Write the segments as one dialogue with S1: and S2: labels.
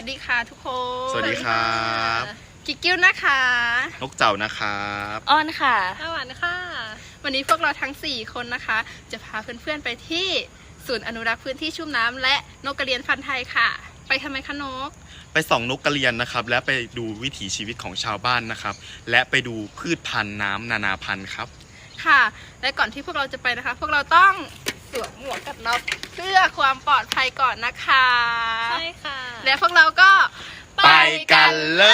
S1: สดีค่ะทุกคน
S2: สวัสดีครับ
S1: กิ๊กกิ้วนะคะ
S2: นกเจ้านะครับ
S3: อ้อนค่ะ
S1: หวานค่ะวันนี้พวกเราทั้ง4คนนะคะจะพาเพื่อนๆไปที่ศูนย์อนุรักษ์พื้นที่ชุ่มน้ำและนกกระเรียนพันธุ์ไทยค่ะไปทำไมคะนก
S2: ไปส่องนกกระเรียนนะครับและไปดูวิถีชีวิตของชาวบ้านนะครับและไปดูพืชพันธุ์น้ำนานาพันธุ์ครับ
S1: ค่ะและก่อนที่พวกเราจะไปนะคะพวกเราต้องสวมหมวกกันน็อกเพื่อความปลอดภัยก่อนนะคะ
S3: ใช่ค่ะ
S1: และพวกเราก็
S2: ไปกันเลย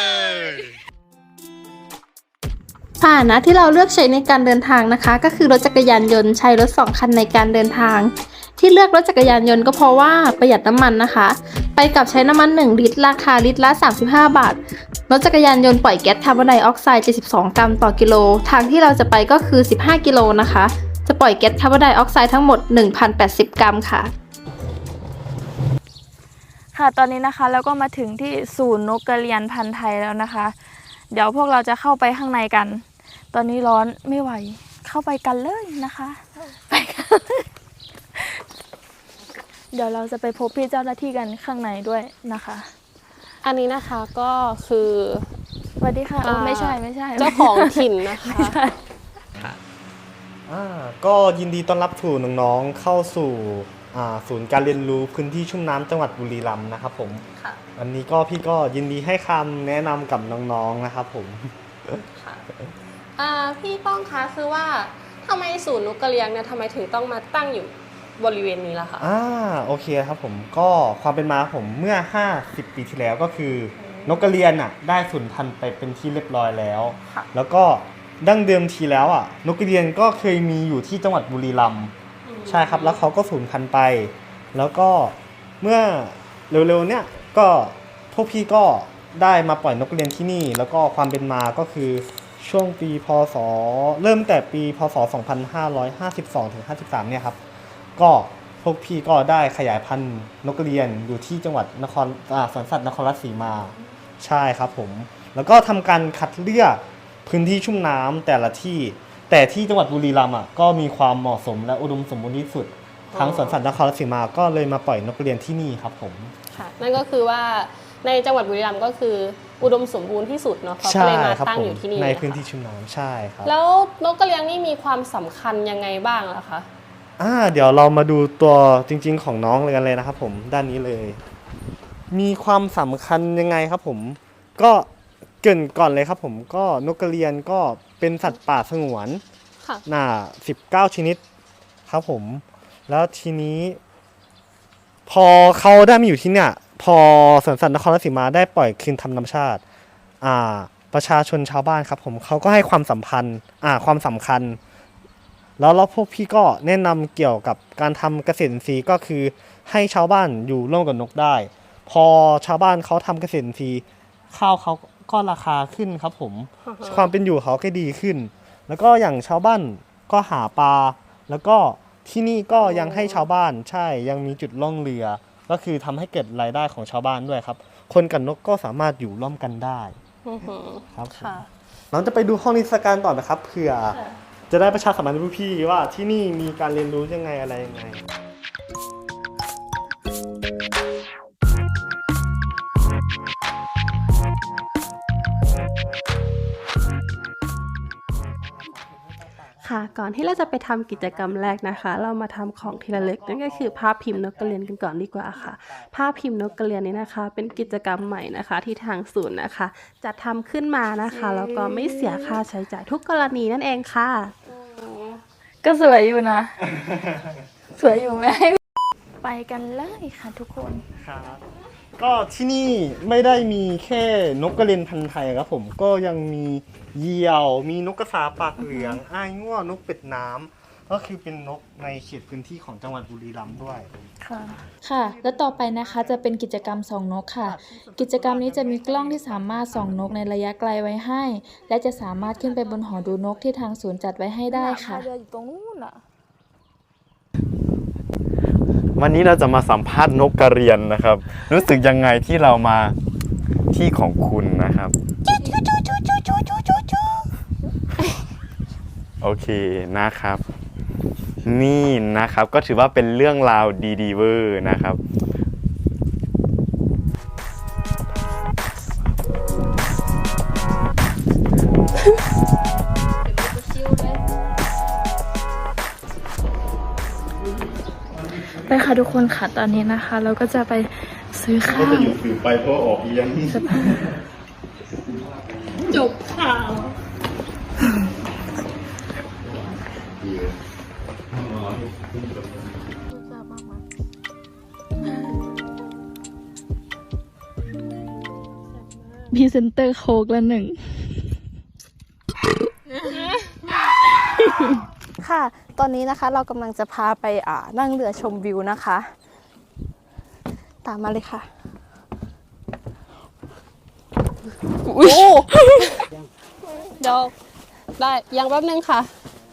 S4: พาหนะที่เราเลือกใช้ในการเดินทางนะคะก็คือรถจักรยานยนต์ใช้รถ2คันในการเดินทางที่เลือกรถจักรยานยนต์ก็เพราะว่าประหยัดน้ำมันนะคะไปกับใช้น้ำมัน1ลิตรราคาลิตรละ35 บาทรถจักรยานยนต์ปล่อยแก๊สคาร์บอนไดออกไซด์72 กรัมต่อกิโลทางที่เราจะไปก็คือ15 กิโลนะคะจะปล่อยแก๊สคาร์บอนไดออกไซด์ทั้งหมด 1,080 กรัมค่ะ
S3: ค่ะตอนนี้นะคะเราก็มาถึงที่ศูนย์นกกระเรียนพันธุ์ไทยแล้วนะคะเดี๋ยวพวกเราจะเข้าไปข้างในกันตอนนี้ร้อนไม่ไหวเข้าไปกันเลยนะคะไปกันเดี๋ยวเราจะไปพบพี่เจ้าหน้าที่กันข้างในด้วยนะคะ
S5: อันนี้นะคะก็คือ
S3: สวัสดีค่ะไม่ใช่
S5: เจ้าของถิ่นนะคะ
S6: ก็ยินดีต้อนรับสู่น้องๆเข้าสู่ศูนย์การเรียนรู้พื้นที่ชุ่มน้ำจังหวัดบุรีรัมย์นะครับผมวันนี้ก็พี่ก็ยินดีให้คำแนะนำกับน้องๆนะครับผม
S5: พี่ป้องคะคือว่าทำไมศูนย์นกกระเรียนเนี่ยทำไมถึงต้องมาตั้งอยู่บริเวณนี้ล่ะคะ
S6: โอเคครับผมก็ความเป็นมาผมเมื่อ50 ปีที่แล้วก็คือนกกระเรียนได้สูญพันธุ์ไปเป็นที่เรียบร้อยแล้วแล้วก็ดั้งเดิมทีแล้วนกกระเรียนก็เคยมีอยู่ที่จังหวัดบุรีรัมย์ใช่ครับแล้วเขาก็สูญพันธุ์ไปแล้วก็เมื่อเร็วๆเนี่ยก็พวกพี่ก็ได้มาปล่อยนกกระเรียนที่นี่แล้วก็ความเป็นมาก็คือช่วงปีพศเริ่มแต่ปีพศ2552ถึง53เนี่ยครับก็พวกพี่ก็ได้ขยายพันธุ์นกกระเรียนอยู่ที่จังหวัดสวนสัตว์นครราชสีมาใช่ครับผมแล้วก็ทำการคัดเลือกพื้นที่ชุ่มน้ำแต่ละที่แต่ที่จังหวัดบุรีรัมย์ก็มีความเหมาะสมและอุดมสมบูรณ์ที่สุดทั้งสวนสัตว์นครราชสีมาก็เลยมาปล่อยนกกระเรียนที่นี่ครับผม
S5: ค่ะนั่นก็คือว่าในจังหวัดบุรีรัมย์ก็คืออุดมสมบูรณ์ที่สุดเนาะเขาก็เลยมาตั้งอยู่ที่นี่
S6: ในพื้นที่ชุ่มน้ำใช่ครับ
S5: แล้วนกกระเรียนนี่มีความสำคัญยังไงบ้างล่ะคะ
S6: เดี๋ยวเรามาดูตัวจริงๆของน้องเลยกันเลยนะครับผมด้านนี้เลยมีความสำคัญยังไงครับผมก็เกริ่นก่อนเลยครับผมก็นกกระเรียนก็เป็นสัตว์ป่าสงวน19 ชนิดครับผมแล้วทีนี้พอเขาได้มาอยู่ที่เนี่ยพอสวนสัตว์นครราชสีมาได้ปล่อยคืนธรรมชาติประชาชนชาวบ้านครับผมเขาก็ให้ความสำคัญแล้วพวกพี่ก็แนะนำเกี่ยวกับการทำเกษตรอินทรีย์ก็คือให้ชาวบ้านอยู่ร่วมกับนกได้พอชาวบ้านเขาทำเกษตรอินทรีย์ข้าวเขาก็ราคาขึ้นครับผมความเป็นอยู่เขาก็ดีขึ้นแล้วก็อย่างชาวบ้านก็หาปลาแล้วก็ที่นี่ก็ยังให้ชาวบ้านใช่ยังมีจุดล่องเรือก็คือทำให้เกิดรายได้ของชาวบ้านด้วยครับคนกับนกก็สามารถอยู่ร่วมกันได้ครับเราจะไปดูห้องนิทรรศการต่อนะครับเผื่อจะได้ประชาสัมพันธ์ให้พี่ว่าที่นี่มีการเรียนรู้ยังไงอะไรยังไง
S4: ค่ะก่อนที่เราจะไปทำกิจกรรมแรกนะคะเรามาทำของทีละเล็กนั่นก็คือภาพพิมพ์นกกระเรียนกันก่อนดีกว่าค่ะภาพพิมพ์นกกระเรียนนี้นะคะเป็นกิจกรรมใหม่นะคะที่ทางศูนย์นะคะจะทำขึ้นมานะคะแล้วก็ไม่เสียค่าใช้จ่ายทุกกรณีนั่นเองค่ะ
S3: ก็สวยอยู่นะ สวยอยู่ไหมไปกันเลยค่ะทุกคน
S6: ครับก็ที่นี่ไม่ได้มีแค่นกกระเรียนพันธุ์ไทยครับผมก็ยังมีเหยี่ยวมีนกกระสาปากเหลืองอ้ายง่วนกเป็ดน้ำก็คือเป็นนกในเขตพื้นที่ของจังหวัดบุรีรัมย์ด้วย
S7: ค่ะแล้วต่อไปนะคะจะเป็นกิจกรรมส่องนกค่ะกิจกรรมนี้จะมีกล้องที่สามารถส่องนกในระยะไกลไว้ให้และจะสามารถขึ้นไปบนหอดูนกที่ทางศูนย์จัดไว้ให้ได้ค่ะ
S2: วันนี้เราจะมาสัมภาษณ์นกกระเรียนนะครับรู้สึกยังไงที่เรามาที่ของคุณนะครับโอเคนะครับนี่นะครับก็ถือว่าเป็นเรื่องราวดีๆเวอร์นะครับ
S3: ไปค่ะทุกคนค่ะตอนนี้นะคะ เราก็จะไปซื้อข้าว
S2: อยู่สื่อไปเพราะออกเอียง
S1: จบข่าว
S3: พรีเซนเตอร์โค้กละหนึ่ง
S4: ค่ะ ตอนนี้นะคะเรากำลังจะพาไปนั่งเรือชมวิวนะคะ ตามมาเลยค่ะ
S5: เดี๋ยวได้ยังแป๊บนึงค่ะ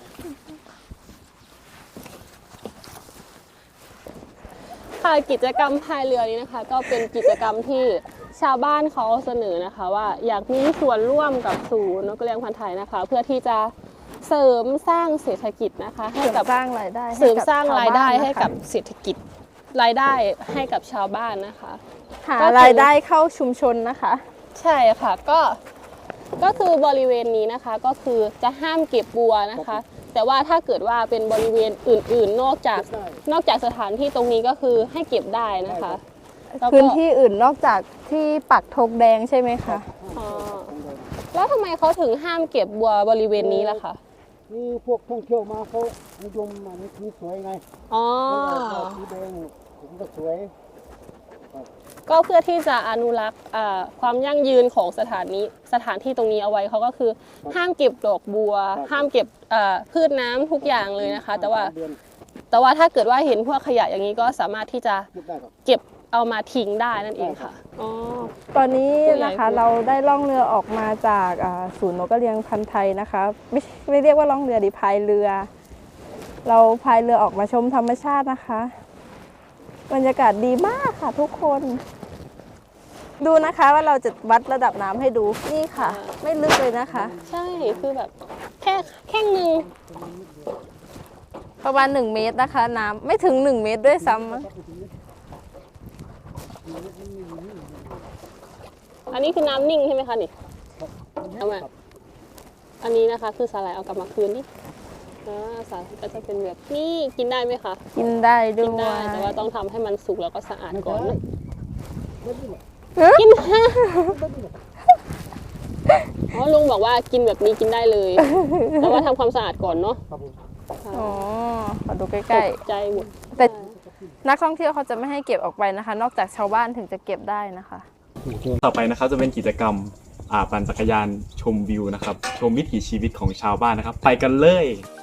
S5: ค่ะกิจกรรมพายเรือนี้นะคะ ก็เป็นกิจกรรมที่ชาวบ้านเขาเสนอนะคะ ว่าอยากมีส่วนร่วมกับศูนย์นกกระเรียนพันธุ์ไทยนะคะ เพื่อที่จะเสริมสร้างเศรษฐกิจนะคะให้กับ
S4: สร้างรายได้
S5: เสริมสร้างรายได้ให้กับเศรษฐกิจรายได้ให้กับชาวบ้านนะคะ
S4: หารายได้เข้าชุมชนนะคะ
S5: ใช่ค่ะก็คือบริเวณนี้นะคะก็คือจะห้ามเก็บบัวนะคะ แต่ว่าถ้าเกิดว่าเป็นบริเวณอื่นๆ นอกจากสถานที่ตรงนี้ก็คือให้เก็บได้นะคะแล้วก็
S4: พื้นที่อื่นนอกจากที่ปักธงแดงใช่ไหมคะ
S5: อ๋อแล้วทำไมเขาถึงห้ามเก็บบัวบริเวณนี้ล่ะคะ
S8: นี่พวกท่องเที่ยวมาเขานิยมอันนี้สีสวยไง
S5: อ๋อ
S8: สีแดงผมก็สวย
S5: ก็เพื่อที่จะอนุรักษ์ความยั่งยืนของสถานที่ตรงนี้เอาไว้เขาก็คือห้ามเก็บดอกบัว ห้ามเก็บพืชน้ำทุกอย่างเลยนะคะ แต่ว่าถ้าเกิดว่าเห็นพวกขยะอย่างนี้ก็สามารถที่จะ
S8: เก็บได้ครับ
S5: เก็บเอามาทิ้งได้นั่นเองค่ะอ๋อ
S4: ตอนนี้นะคะ
S5: ผู้ใหญ่
S4: เราได้ล่องเรือออกมาจากศูนย์นกกระเรียนพันธุ์ไทยนะคะไม่เรียกว่าล่องเรือดิพายเรือ เราพายเรือออกมาชมธรรมชาตินะคะบรรยากาศดีมากค่ะทุกคน ดูนะคะว่าเราจะวัดระดับน้ำให้ดูนี่ค่ะ ไม่ลึกเลยนะคะ
S5: ใช่คือแบบแค่นึง
S4: ประมาณ1 เมตรนะคะ น้ำไม่ถึง1 เมตรด้วยซ้ำ
S5: อันนี้คือน้ำนิ่งใช่ไหมคะนี่เอามาอันนี้นะคะคือสาหร่ายเอากลับมาคืนนี่สาหร่ายก็จะเป็นแบบนี้กินได้ไหมคะ
S4: กินได้ด้
S5: กิ
S4: วน
S5: ได้
S4: ย
S5: แต่ว่าต้องทำให้มันสุกแล้วก็สะอาดก่อนนะ
S4: เอ๊ะ
S5: กินอ๋อลุงบอกว่ากินแบบนี้กินได้เลย แต่ว่าทำความสะอาดก่อนเนาะ
S4: อ๋อขอดูใก
S5: ต
S4: ล้
S5: กใจหมด
S4: ๆแต่นักท่องเที่ยวเขาจะไม่ให้เก็บออกไปนะคะ นอกจากชาวบ้านถึงจะเก็บได้นะคะ
S2: ต่อไปนะครับจะเป็นกิจกรรมปั่นจักรยานชมวิวนะครับชมวิถีชีวิตของชาวบ้านนะครับ ไปกันเลย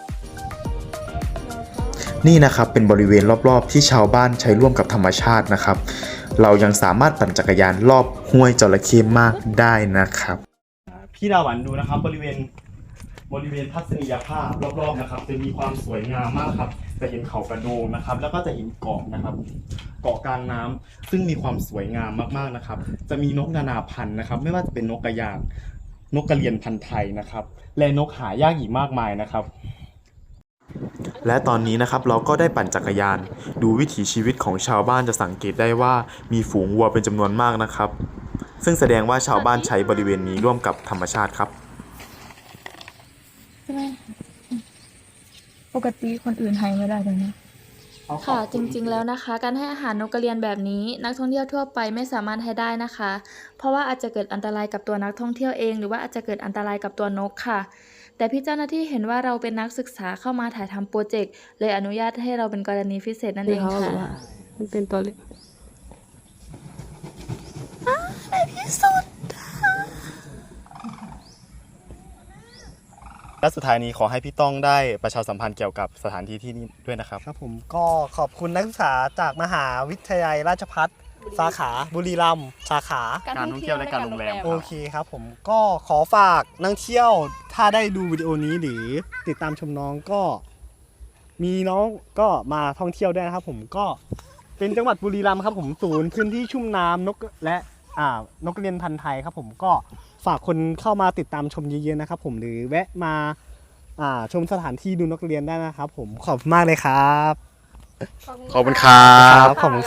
S9: นี่นะครับเป็นบริเวณรอบๆที่ชาวบ้านใช้ร่วมกับธรรมชาตินะครับ เรายังสามารถปั่นจักรยานรอบห้วยจระเข้มากได้นะครับ
S2: พี่ดาหวันดูนะครับบริเวณทัศนียภาพรอบๆนะครับจะมีความสวยงามมากครับจะเห็นเขากระโดงนะครับ แล้วก็จะเห็นเกาะนะครับ เกาะกลางน้ำซึ่งมีความสวยงามมากๆนะครับ จะมีนกนานาพันธุ์นะครับ ไม่ว่าจะเป็นนกกระยางนกกระเรียนพันธุ์ไทยนะครับ และนกหายากอีกมากมายนะครับ
S9: และตอนนี้นะครับเราก็ได้ปั่นจักรยานดูวิถีชีวิตของชาวบ้านจะสังเกตได้ว่ามีฝูงวัวเป็นจำนวนมากนะครับ ซึ่งแสดงว่าชาวบ้านใช้บริเวณนี้ร่วมกับธรรมชาติครับ
S3: ปกติคนอื่นให้ไม่ได้เลยนะ
S7: ค่ะจริงๆแล้วนะคะการให้อาหารนกกระเรียนแบบนี้นักท่องเที่ยวทั่วไปไม่สามารถให้ได้นะคะ เพราะว่าอาจจะเกิดอันตรายกับตัวนักท่องเที่ยวเองหรือว่าอาจจะเกิดอันตรายกับตัวนกค่ะ แต่พี่เจ้าหน้าที่เห็นว่าเราเป็นนักศึกษาเข้ามาถ่ายทำโปรเจกต์เลยอนุญาตให้เราเป็นกรณีพิเศษนั่นเองค่ะ
S5: มันเป็นตัวเล็ก
S2: และสุดท้ายนี้ขอให้พี่ต้องได้ประชาสัมพันธ์เกี่ยวกับสถานที่ที่นี่ด้วยนะครับ
S6: ครับผมก็ขอบคุณนักศึกษาจากมหาวิทยาลัยราชภัฏสาขาบุรีรัมย์สาขา
S2: การท่องเที่ยวและการโรงแรม
S6: โอเคครับผมก็ขอฝากนักเที่ยวถ้าได้ดูวิดีโอนี้หรือติดตามชมน้องก็มีน้องก็มาท่องเที่ยวด้วยนะครับผมก็เป็นจังหวัดบุรีรัมย์ครับผมศูนย์พื้นที่ชุ่มน้ำนกและนกกระเรียนพันธุ์ไทยครับผมก็ฝากคนเข้ามาติดตามชมเยอะๆนะครับผมหรือแวะมาชมสถานที่ดูนกกระเรียนได้นะครับผมขอบคุณมากเลยครับ
S2: ขอบคุณครับ
S6: ขอบคุณ